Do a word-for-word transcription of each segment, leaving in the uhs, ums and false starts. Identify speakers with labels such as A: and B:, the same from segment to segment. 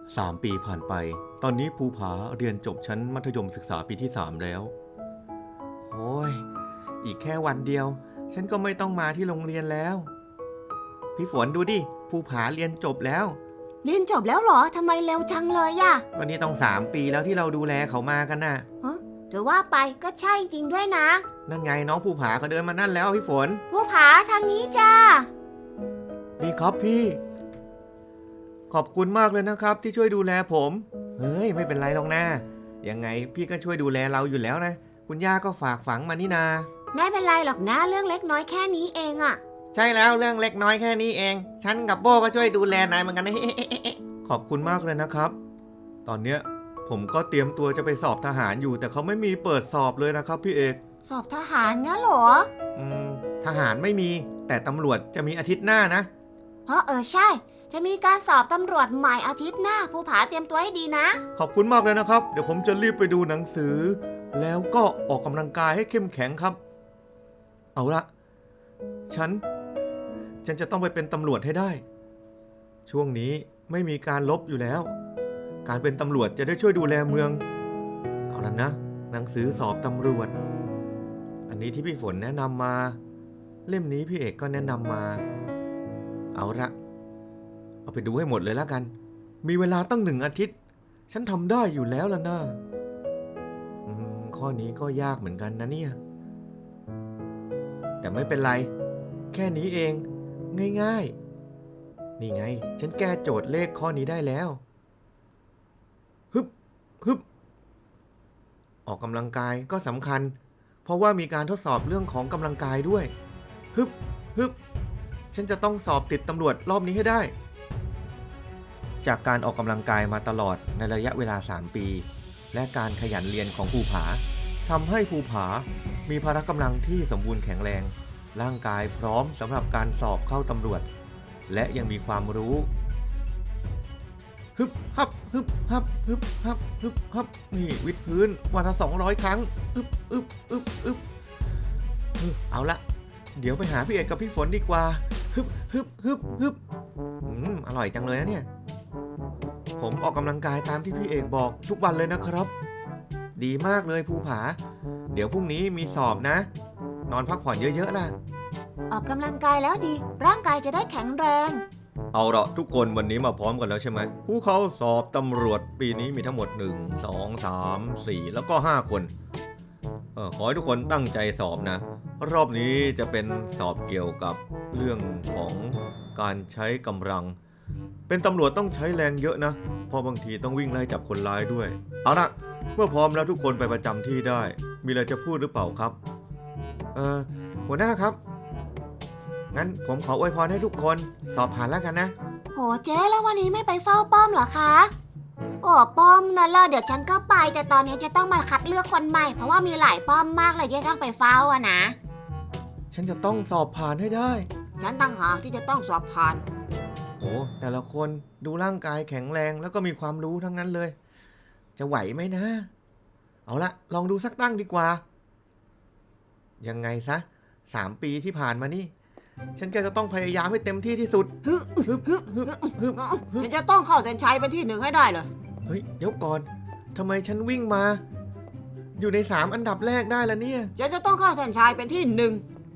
A: สามปีผ่านไปตอนนี้ภูผาเรียนจบชั้นมัธยมศึกษาปีที่สามแล้วโอ้ยอีกแค่วันเดียวฉันก็ไม่ต้องมาที่โรงเรียนแล้วพี่ฝนดูดิภูผาเรียนจบแล้ว
B: เรียนจบแล้วเหรอทำไมเร็วจังเลยอะ
A: ก็นี่ต้องสามปีแล้วที่เราดูแลเขามากันน่ะ
B: ฮะถือว่าไปก็ใช่จริงด้วยนะ
A: นั่นไงน้องภูผาเขาเดินมานั่นแล้วพี่ฝน
B: ภูผาทางนี้จ้า
A: ดีครับพี่ขอบคุณมากเลยนะครับที่ช่วยดูแลผมเฮ้ยไม่เป็นไรหรอกนะยังไงพี่ก็ช่วยดูแลเราอยู่แล้วนะคุณย่าก็ฝากฝังมานี่นา
B: ไม่เป็นไรหรอกนะเรื่องเล็กน้อยแค่นี้เองอะ
A: ใช่แล้วเรื่องเล็กน้อยแค่นี้เองฉันกับโบก็ช่วยดูแลนายเหมือนกันนะขอบคุณมากเลยนะครับตอนเนี้ยผมก็เตรียมตัวจะไปสอบทหารอยู่แต่เขาไม่มีเปิดสอบเลยนะครับพี่เอก
B: สอบทหารงั้นเหรอ
A: อืมทหารไม่มีแต่ตำรวจจะมีอาทิตย์หน้านะ
B: เพราะเออใช่จะมีการสอบตำรวจใหม่อาทิตย์หน้าภูผาเตรียมตัวให้ดีนะ
A: ขอบคุณมากเลยนะครับเดี๋ยวผมจะรีบไปดูหนังสือแล้วก็ออกกำลังกายให้เข้มแข็งครับเอาละฉันฉันจะต้องไปเป็นตำรวจให้ได้ช่วงนี้ไม่มีการลบอยู่แล้วการเป็นตำรวจจะได้ช่วยดูแลเมืองเอาละนะหนังสือสอบตำรวจอันนี้ที่พี่ฝนแนะนำมาเล่มนี้พี่เอกก็แนะนำมาเอาละเอาไปดูให้หมดเลยแล้วกันมีเวลาตั้งหนึ่งอาทิตย์ฉันทำได้อยู่แล้วล่ะนะอืมข้อนี้ก็ยากเหมือนกันนะเนี่ยแต่ไม่เป็นไรแค่นี้เองง่ายๆนี่ไงฉันแก้โจทย์เลขข้อนี้ได้แล้วฮึบฮึบออกกำลังกายก็สำคัญเพราะว่ามีการทดสอบเรื่องของกำลังกายด้วยฮึบฮึบฉันจะต้องสอบติดตำรวจรอบนี้ให้ได้จากการออกกำลังกายมาตลอดในระยะเวลาสามปีและการขยันเรียนของภูผาทำให้ภูผามีพละกำลังที่สมบูรณ์แข็งแรงร่างกายพร้อมสำหรับการสอบเข้าตำรวจและยังมีความรู้ฮึบฮับฮึบฮับฮึบฮับฮึบฮับนี่วิดพื้นวันละสองร้อยครั้งอึบอึบอึบอึบเอาละเดี๋ยวไปหาพี่เอกกับพี่ฝนดีกว่าฮึบฮึบฮึบฮึบอืมอร่อยจังเลยนะเนี่ยผมออกกำลังกายตามที่พี่เอกบอกทุกวันเลยนะครับดีมากเลยภูผาเดี๋ยวพรุ่งนี้มีสอบนะนอนพักผ่อนเยอะๆล่ะ
B: ออกกำลังกายแล้วดีร่างกายจะได้แข็งแรง
A: เอาละทุกคนวันนี้มาพร้อมกันแล้วใช่ไหมผู้เขาสอบตำรวจปีนี้มีทั้งหมดหนึ่ง สอง สาม สี่แล้วก็ห้าคนเออขอให้ทุกคนตั้งใจสอบนะรอบนี้จะเป็นสอบเกี่ยวกับเรื่องของการใช้กำลังเป็นตำรวจต้องใช้แรงเยอะนะเพราะบางทีต้องวิ่งไล่จับคนร้ายด้วยเอาละเมื่อพร้อมแล้วทุกคนไปประจำที่ได้มีอะไรจะพูดหรือเปล่าครับเออหัวหน้าครับงั้นผมขออวยพรให้ทุกคนสอบผ่านแล้วกันนะ
B: โหเจ๊แล้ววันนี้ไม่ไปเฝ้าป้อมเหรอคะโอ้ป้อมนั่นล่ะเดี๋ยวฉันก็ไปแต่ตอนนี้จะต้องมาคัดเลือกคนใหม่เพราะว่ามีหลายป้อมมากเลยที่ต้องไปเฝ้าอะนะ
A: ฉันจะต้องสอบผ่านให้ได้
B: ฉันต่างหากที่จะต้องสอบผ่าน
A: โอ้แต่ละคนดูร่างกายแข็งแรงแล้วก็มีความรู้ทั้งนั้นเลยจะไหวไหมนะเอาละลองดูสักตั้งดีกว่ายังไงซะสามปีที่ผ่านมานี่ฉันก็จะต้องพยายามให้เต็มที่ที่สุดฮึบฮึบฮึบฮึบฮึบ
B: ฉันจะต้องเข้าเส้นชัยเป็นที่หนึ่งให้ได้เลย
A: เฮ้ยเดี๋ยวก่อนทำไมฉันวิ่งมาอยู่ในสามอันดับแรกได้ละเนี่ย
B: ฉันจะต้องเข้าเส้นชัยเป็นที่หนึ่ง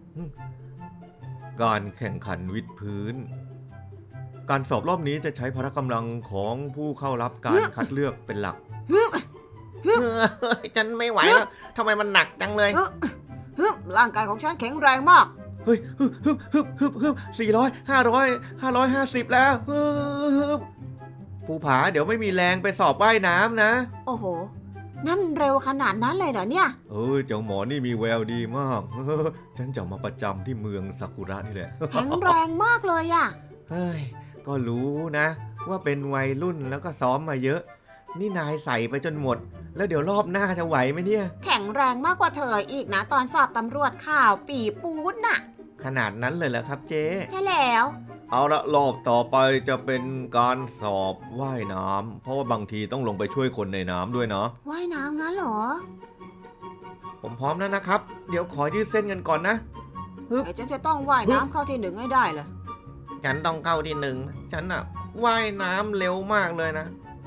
A: การแข่งขันวิดพื้นการสอบรอบนี้จะใช้พละกำลังของผู้เข้ารับการคัดเลือกเป็นหลัก
B: ฮึบฮึบ
A: ฉันไม่ไหวแล้วทำไมมันหนักจังเลย
B: ฮึบร่างกายของฉันแข็งแรงมาก
A: เฮ้ยฮึบฮึบฮึบฮึบฮึบสี่ร้อยห้าร้อยห้าร้อยห้าสิบแล้วฮึบภูผาเดี๋ยวไม่มีแรงไปสอบว่ายน้ำนะ
B: โอ้โหนั่นเร็วขนาดนั้นเลยเหรอเนี่ย
A: เออเจ้าหมอนี่มีแววดีมากฉันจะมาประจำที่เมืองซากุระนี่แหละ
B: แข็งแรงมากเลยอ่ะ
A: เฮ้ยก็รู้นะว่าเป็นวัยรุ่นแล้วก็ซ้อมมาเยอะนี่นายใส่ไปจนหมดแล้วเดี๋ยวรอบหน้าจะไหวไหมเนี่ย
B: แข็งแรงมากกว่าเธออีกนะตอนสอบตำรวจข่าวปีปูนน่ะ
A: ขนาดนั้นเลยเหรอครับเจ๊
B: ใช่แล้ว
A: เอาละรอบต่อไปจะเป็นการสอบว่ายน้ำเพราะว่าบางทีต้องลงไปช่วยคนในน้ำด้วยเนาะ
B: ว่ายน้ำงั้นเหรอ
A: ผมพร้อมแล้วนะครับเดี๋ยวขอยืดเส้นกันก่อนนะ
B: ฮึบฉันจะต้องว่ายน้ำเข้าที่หนึ่งให้ได้เลย
A: ฉันต้องเข้าที่หนึ่งฉันอะว่ายน้ำเร็วมากเลยนะ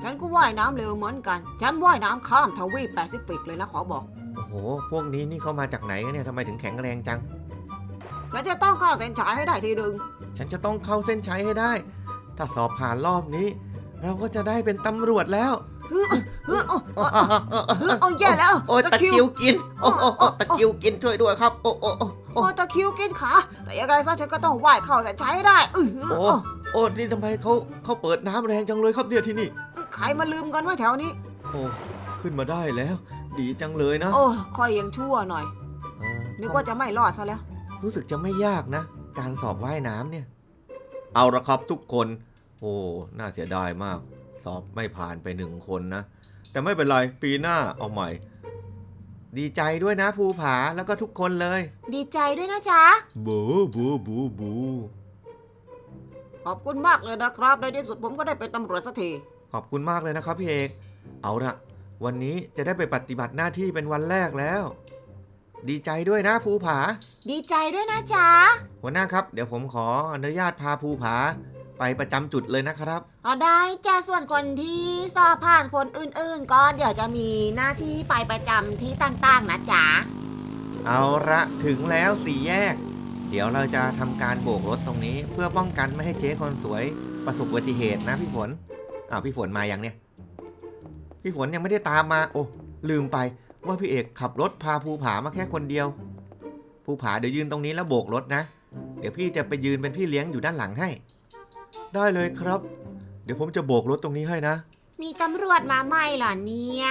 B: ฉันก็ว่ายน้ำเร็วเหมือนกันฉันว่ายน้ำข้ามทวีปแปซิฟิกเลยนะขอบอก
A: โอ้โหพวกนี้นี่เขามาจากไหนกันเนี่ยทำไมถึงแข็งแรงจัง
B: ฉันจะต้องเข้าเส้นชัยให้ได้ทีหนึ่ง
A: ฉันจะต้องเข้าเส้นชัยให้ได้ถ้าสอบผ่านรอบนี้เราก็จะได้เป็นตำรวจแล้ว
B: เฮ้ยเฮ้ยโอ้โอ้แย่แล้ว
A: โอ้ตะคิวกินโอ้โอ้โอ้ตะคิวกินช่วยด้วยครับโอ้โอ้โอ้
B: โอ้ตะคิวกินขาแต่ยังไงซะฉันก็ต้องว่ายเข้าเส้นชัยให้ได้เออ
A: โอ้โอ้นี่ทำไมเขาเขาเปิดน้ำแรงจังเลยครับเนี่ยที่นี่
B: ใครมาลืมกันไว้แถวนี้
A: โอ้ขึ้นมาได้แล้วดีจังเลยนะ
B: โอ้ค่อยยังชั่วหน่อยนึกว่าจะไม่รอดซะแล้ว
A: รู้สึกจะไม่ยากนะการสอบว่ายน้ำเนี่ยเอาละครับทุกคนโอ้น่าเสียดายมากสอบไม่ผ่านไปหนึ่งคนนะแต่ไม่เป็นไรปีหน้าเอาใหม่ดีใจด้วยนะภูผาแล้วก็ทุกคนเลย
B: ดีใจด้วยนะจ๊ะ
A: บูบูบูบู
B: ขอบคุณมากเลยนะครับในที่สุดผมก็ได้เป็นตำรวจสักที
A: ขอบคุณมากเลยนะครับพี่เอกเอาละวันนี้จะได้ไปปฏิบัติหน้าที่เป็นวันแรกแล้วดีใจด้วยนะภูผา
B: ดีใจด้วยนะจ๊ะ
A: หัวหน้าครับเดี๋ยวผมขออนุญาตพาภูผาไปประจำจุดเลยนะครับ
B: อ๋อได้จ้ะส่วนคนที่สอบผ่านคนอื่นๆก็เดี๋ยวจะมีหน้าที่ไปประจำที่ต่างๆนะจ๊ะ
A: เอาละถึงแล้วสี่แยกเดี๋ยวเราจะทำการโบกรถตรงนี้เพื่อป้องกันไม่ให้เจ๊คนสวยประสบอุบัติเหตุนะพี่ฝนอ้าวพี่ฝนมาอย่างเนี้ยพี่ฝนยังไม่ได้ตามมาโอ้ลืมไปว่าพี่เอกขับรถพาภูผามาแค่คนเดียวภูผาเดี๋ยวยืนตรงนี้แล้วโบกรถนะเดี๋ยวพี่จะไปยืนเป็นพี่เลี้ยงอยู่ด้านหลังให้ได้เลยครับเดี๋ยวผมจะโบกรถตรงนี้ให้นะ
B: มีตำรวจมาไหมเหรอเนี่ย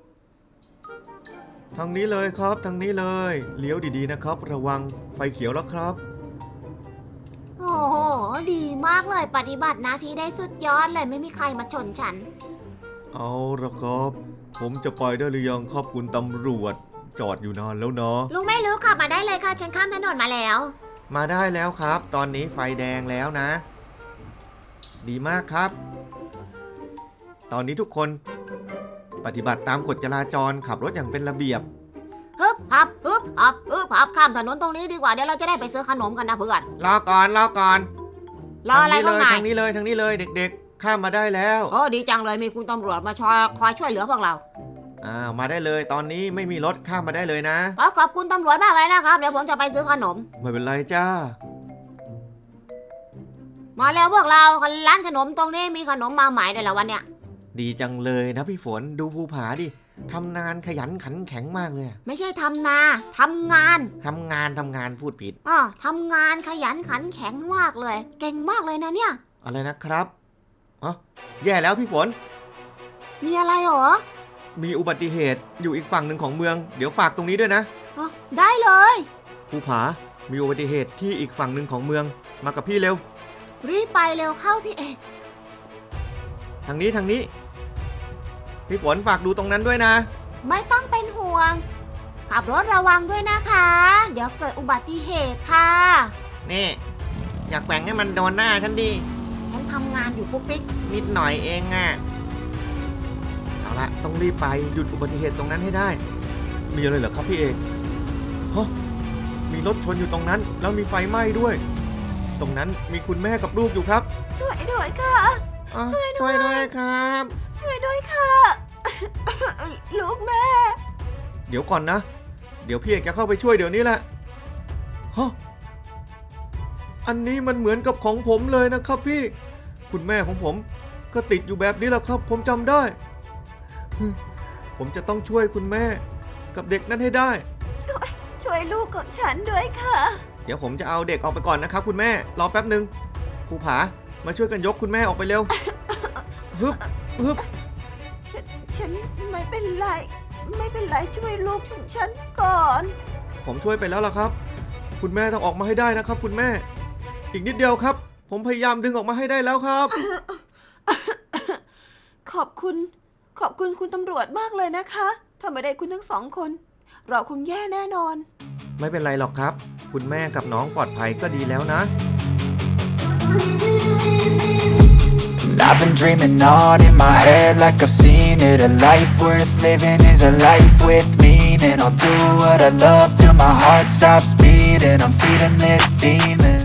A: ทางนี้เลยครับทางนี้เลยเลี้ยวดีๆนะครับระวังไฟเขียวแล้วครับ
B: โอ้โหดีมากเลยปฏิบัติหน้าที่ได้สุดยอดเลยไม่มีใครมาชนฉัน
A: เอาละครับผมจะไปได้หรือยังครับคุณตำรวจจอดอยู่นานแล้วเนาะ
B: ลุงไม่รู้ขับมาได้เลยค่ะฉันข้ามถนนมาแล้ว
A: มาได้แล้วครับตอนนี้ไฟแดงแล้วนะดีมากครับตอนนี้ทุกคนปฏิบัติตามกฎจราจรขับรถอย่างเป็นระเบียบ
B: ฮึบฮับฮึบฮับฮึบฮับข้ามถนนตรงนี้ดีกว่าเดี๋ยวเราจะได้ไปซื้อขนมกันนะเพื่อน
A: รอก่อนรอก่อน
B: รออะไรข้างใน
A: ทางนี้เลยทางนี้เลยเด็กๆข้ามมาได้แล้ว
B: โอ้ดีจังเลยมีคุณตำรวจมาช่วยคอยช่วยเหลือพวกเรา
A: อ่ามาได้เลยตอนนี้ไม่มีรถข้ามมาได้เลยนะ
B: อ๋อขอบคุณตำรวจมากเลยนะครับเดี๋ยวผมจะไปซื้อขนม
A: ไม่เป็นไรจ้า
B: มาแล้วพวกเราร้านขนมตรงนี้มีขนมมาใหม่ด้วยแล้ววันเนี้ย
A: ดีจังเลยนะพี่ฝนดูภูผาดิทำงานขยันขันแข็งมากเลย
B: ไม่ใช่ทำนาทำงาน
A: ทำงานทำงานพูดผิด
B: อ๋อทำงานขยันขันแข็งมากเลยเก่งมากเลยนะเนี่ย
A: อะไรนะครับอ๋อแย่แล้วพี่ฝน
B: มีอะไรหรอ
A: มีอุบัติเหตุอยู่อีกฝั่งหนึ่งของเมืองเดี๋ยวฝากตรงนี้ด้วยนะ
B: อ๋อได้เลย
A: ภูผามีอุบัติเหตุที่อีกฝั่งหนึ่งของเมืองมากับพี่เร็ว
B: รีบไปเร็วเข้าพี่เอก
A: ทางนี้ทางนี้พี่ฝนฝากดูตรงนั้นด้วยนะ
B: ไม่ต้องเป็นห่วงขับรถระวังด้วยนะคะเดี๋ยวเกิดอุบัติเหตุค่ะ
A: นี่อยากแกว่งให้มันโดนหน้าฉันดิ
B: ฉันทำงานอยู่ปุ๊กปิ๊ก
A: นิดหน่อยเองอ่ะเอาละต้องรีบไปหยุดอุบัติเหตุตรงนั้นให้ได้มีอะไรเหรอครับพี่เอกฮะมีรถชนอยู่ตรงนั้นแล้วมีไฟไหม้ด้วยตรงนั้นมีคุณแม่กับลูกอยู่ครับ
B: ช่วยด้วยค่ะ
A: ช่วยด้วยครับ
B: ช่วยด้วยค่ะลูกแม่
A: เดี๋ยวก่อนนะเดี๋ยวพี่เอกจะเข้าไปช่วยเดี๋ยวนี้แหละฮะอันนี้มันเหมือนกับของผมเลยนะครับพี่คุณแม่ของผมก็ติดอยู่แบบนี้แหละครับผมจำได้ผมจะต้องช่วยคุณแม่กับเด็กนั้นให้ได้
B: ช่วยช่วยลูกของฉันด้วยค่ะ
A: เดี๋ยวผมจะเอาเด็กออกไปก่อนนะครับคุณแม่รอแป๊บนึงภูผามาช่วยกันยกคุณแม่ออกไปเร็วฮึบฮึบ
B: ฉันฉันไม่เป็นไรไม่เป็นไรช่วยลูกของฉันก่อน
A: ผมช่วยไปแล้วล่ะครับคุณแม่ต้องออกมาให้ได้นะครับคุณแม่อีกนิดเดียวครับผมพยายามดึงออกมาให้ได้แล้วครับ
B: ขอบคุณขอบคุณคุณตำรวจมากเลยนะคะถ้าไม่ได้คุณทั้งสองคนเราคงแย่แน่นอน
A: ไม่เป็นไรหรอกครับคุณแม่กับน้องปลอดภัยก็ดีแล้วนะ
C: I've been dreaming on in my head like I've seen it. A life worth living is a life with meaning. I'll do what I love till my heart stops beating. I'm feeding this demon